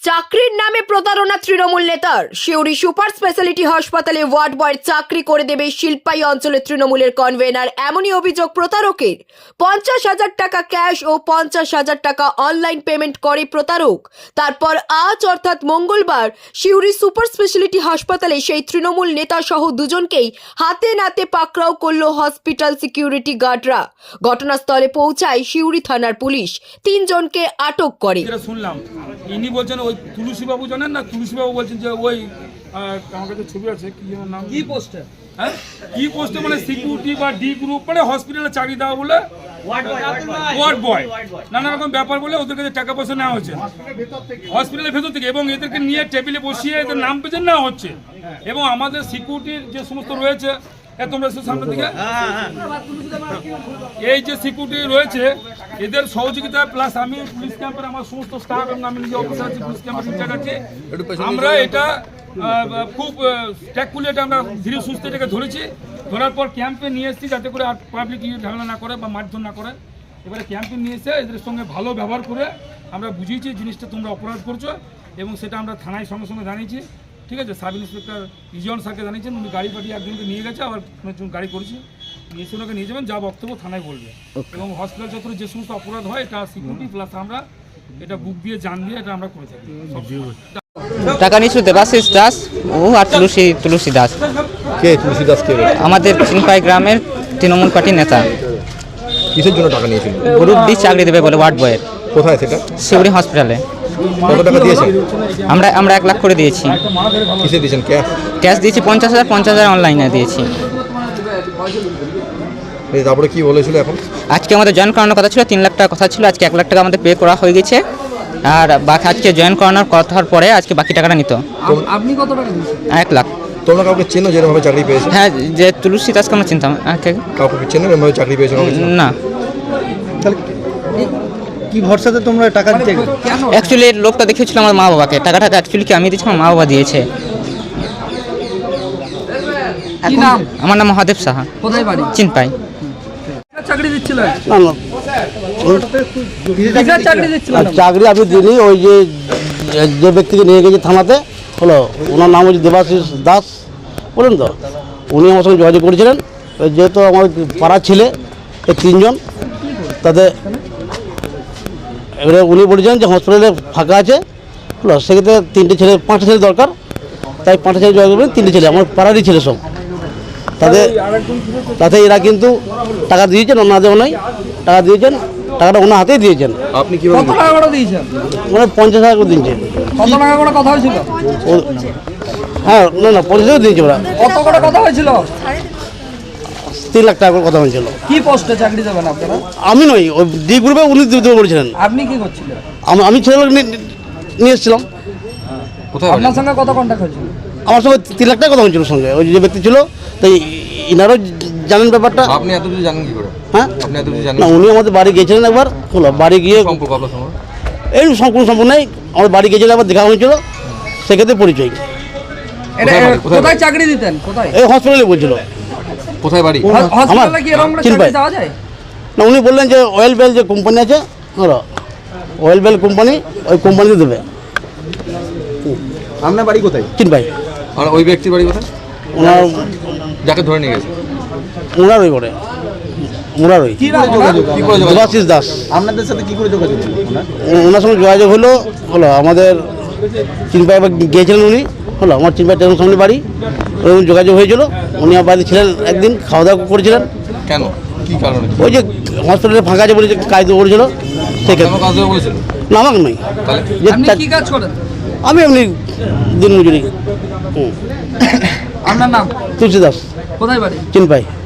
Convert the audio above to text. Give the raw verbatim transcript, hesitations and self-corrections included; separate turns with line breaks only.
চাকরির নামে প্রতারণা তৃণমূল নেতার। শিউরি সুপার স্পেশালিটি হাসপাতালে ওয়ার্ড বয়ের চাকরি করে দেবে শিল্পাই অঞ্চলের তৃণমূলের কনভেনার, এমনই অভিযোগ প্রতারকের। পঞ্চাশ হাজার টাকা ক্যাশ ও পঞ্চাশ হাজার টাকা অনলাইন পেমেন্ট করে প্রতারক। তারপর আজ অর্থাৎ মঙ্গলবার শিউরি সুপার স্পেশালিটি হাসপাতালে সেই তৃণমূল নেতা সহ দুজনকেই হাতে নাতে পাকড়াও করল হসপিটাল সিকিউরিটি গার্ডরা। ঘটনাস্থলে পৌঁছায় শিউরি থানার পুলিশ, তিনজনকে আটক করে।
শুনলাম ইনি বলছেন ওই তুলসী বাবু জানেন না, তুলসী বাবু বলছেন যে ওই আমার কাছে ছবি আছে, কি যেন নাম,
কি পোস্টে
হ্যাঁ কি পোস্টে মানে সিকিউরিটি বা ডি গ্রুপ মানে হসপিটালে চাকরি দেওয়া বলে ওয়ার্ড বয় নানা রকম ব্যাপার বলে ওদের কাছে টাকা পয়সা নেওয়া হচ্ছে হসপিটালের ভেতর থেকে, এবং এদেরকে নিয়ে টেবিলে বসিয়ে এদের নাম পেছন নেওয়া হচ্ছে। এবং আমাদের সিকিউরিটির যে সমস্ত রয়েছে, তোমরা সামনের দিকে এই যে সিকিউরিটি রয়েছে এদের সহযোগিতা প্লাস আমি পুলিশ ক্যাম্পের আমার সমস্ত স্টাফ এবং আমি নিজে অফিসার আছি, পুলিশ ক্যাম্পের ইনচার্জ আছি, আমরা এটা খুব ট্যাকফুলি এটা আমরা ধীরে সুস্থ এটাকে ধরেছি। ধরার পর ক্যাম্পে নিয়ে এসেছি যাতে করে আর পাবলিক ইয়ে ঝামেলা না করে বা মারধর না করে। এবারে ক্যাম্পে নিয়ে এসে এদের সঙ্গে ভালো ব্যবহার করে আমরা বুঝিয়েছি জিনিসটা তোমরা অপরাধ করছো, এবং সেটা আমরা থানায় সঙ্গে সঙ্গে জানিয়েছি। ঠিক আছে, সাব ইন্সপেক্টর ইজন স্যারকে জানিয়েছেন, উনি গাড়ি পাঠিয়ে একজনকে নিয়ে গেছে, আবার একজন গাড়ি করেছি, নিয়ে ওনাকে নিয়ে যাবেন, যা বক্তব্য থানায় বলবে। এবং হসপিটাল চত্বরে যে সমস্ত অপরাধ হয় এটা সিকিউরিটি প্লাস আমরা এটা বুক দিয়ে জান দিয়ে এটা আমরা করে থাকি।
টাকা নিয়েছিল দেবাশিস দাস ও আর তুলসী তুলসী দাস।
কে তুলসী দাস কে?
আমাদের চিনপাই গ্রামের তৃণমূল পার্টির নেতা।
কিসের জন্য টাকা নিয়েছিল?
গ্রুপ ডি চাকরি দেবে বলে ওয়ার্ড বয়ের।
কোথায় সেটা?
শিউরি হসপিটালে।
কত টাকা দিয়েছেন?
আমরা আমরা এক লাখ করে দিয়েছি।
কিসে দিয়েছেন? ক্যাশ?
ক্যাশ দিয়েছি পঞ্চাশ হাজার, পঞ্চাশ হাজার অনলাইনে দিয়েছি।
তারপরে কি বলেছিল? এখন
আজকে আমাদের জয়েন করানোর কথা ছিল, তিন লাখ টাকা কথা ছিল, আজকে এক লাখ টাকা আমাদের পে করা হয়ে গেছে। আর বাকি আজকে জয়েন করানোর কথার পরে আজকে বাকি টাকাটা নিত।
আপনি কত টাকা দিয়েছেন?
এক লাখ।
তোমরা কাউকে চেনো যেরকমভাবে চাকরি পেয়েছে?
হ্যাঁ, যে তুলসী দাসকে আমরা চিনতাম।
কাউকে চেনো এরকমভাবে চাকরি পেয়েছে?
না।
কি ভরসাতে তোমরা টাকা দিতে?
অ্যাকচুয়ালি লোকটা দেখিয়েছিল আমার মা বাবাকে, টাকাটা অ্যাকচুয়ালি কি আমি দিয়েছি, আমার মা বাবা দিয়েছে।
কি নাম?
আমার নাম মহাদেব সাহা।
কোথায় বাড়ি?
চিনপাই।
চাকরি দিচ্ছিল?
না না,
কিসের চাকরি দিচ্ছিল?
চাকরি আমি দিইনি। ওই যে যে ব্যক্তিকে নিয়ে গেছে থানাতে, হলো ওনার নাম হচ্ছে দেবাশিস দাস, বলেন তো, উনি আমার সঙ্গে যোগাযোগ করেছিলেন। যেহেতু আমার পাড়ার ছেলে এই তিনজন, তাদের এবারে উনি বলেছেন যে হসপিটালে ফাঁকা আছে, হলো সেক্ষেত্রে তিনটে ছেলে পাঁচটা ছেলে দরকার, তাই পাঁচটা ছেলে যোগাযোগ করবেন। তিনটে ছেলে আমার পাড়ারই ছেলে সব। তাদের তাতে এরা কিন্তু টাকা দিয়েছেন, ওনার দেওয়া নয়, টাকা দিয়েছেন, টাকাটা ওনার হাতেই দিয়েছেন।
আপনি কি
কত টাকা করে দিয়েছেন?
মানে পঞ্চাশ হাজার করে দিয়েছেন।
কত টাকা করে কথা হয়েছিল?
হ্যাঁ, না না, পঞ্চাশ হাজার দিয়েছে ওরা।
কত করে কথা হয়েছিল?
তিন লাখ টাকা করে কথা হয়েছিল।
কি পোস্টে চাকরি দেবেন আপনারা?
আমি নই, ওই ডি গ্রুপে উনি দিতে বলেছিলেন।
আপনি কি করছিলেন?
আমি- আমি ছেলে নিয়ে এসেছিলাম।
আপনার সঙ্গে কত কন্ট্যাক্ট হয়েছিল?
আমার সঙ্গে তিন লাখ টাকা কথা হয়েছিল সঙ্গে ওই যে ব্যক্তি ছিল। তাই ইনারও জানেন ব্যাপারটা।
আপনি এত কিছু জানেন কি করে?
হ্যাঁ,
আপনি এত কিছু জানেন
না, উনি আমাদের বাড়ি গিয়েছিলেন একবার, হলো বাড়ি গিয়ে
সম্পর্ক আপনার সঙ্গে?
এই সম্পূর্ণ সম্পূর্ণ নেই, আমার বাড়ি গিয়েছিলেন, একবার দেখা হয়েছিল, সেক্ষেত্রে পরিচয়।
এটা
কোথায় বাড়ি? কোথায়
কোথায় চাকরি দিতেন? কোথায়?
এই হসপিটালে বলছিল।
কোথায় বাড়ি?
হসপিটালে কি এরকম
চিনপাই।
চাকরি দেওয়া যায়?
না, উনি বললেন যে অয়েল বেল যে কোম্পানি আছে, হলো অয়েল বেল কোম্পানি, ওই কোম্পানিতে দেবে।
আপনার বাড়ি কোথায়?
চিনপাই।
আর ওই ব্যক্তির বাড়ি কোথায়
ওনার
যাকে ধরে নিয়ে গেছে?
ওনার ওই করে ওনার ওই
কি নাম ওনার?
কি করে যোগাযোগ?
দেবাশিস দাস।
আপনাদের সাথে কি করে যোগাযোগ ছিল?
ও- ওনার সঙ্গে যোগাযোগ হলো, হলো আমাদের চিনপাই গিয়েছিলেন উনি, হলো আমার চিনপাই টেনের সামনে বাড়ি, ওরকম যোগাযোগ হয়েছিল। উনি আমার বাড়িতে ছিলেন, একদিন খাওয়া দাওয়া করেছিলেন।
কেন? কি কারণে?
ওই যে হসপিটালে ফাঁকা আছে বলে যে কাজ করেছিল,
কেন
সেক্ষেত্রে।
কাজ দেবে বলেছিল?
না, আমাকে নয়,
তাহলে
যে
আপনি
তা-
কি কাজ করেন?
আমি এমনি দিন মজুরি।
আপনার নাম?
তুলসী দাস,
কোথায় বাড়ি?
চিনপাই।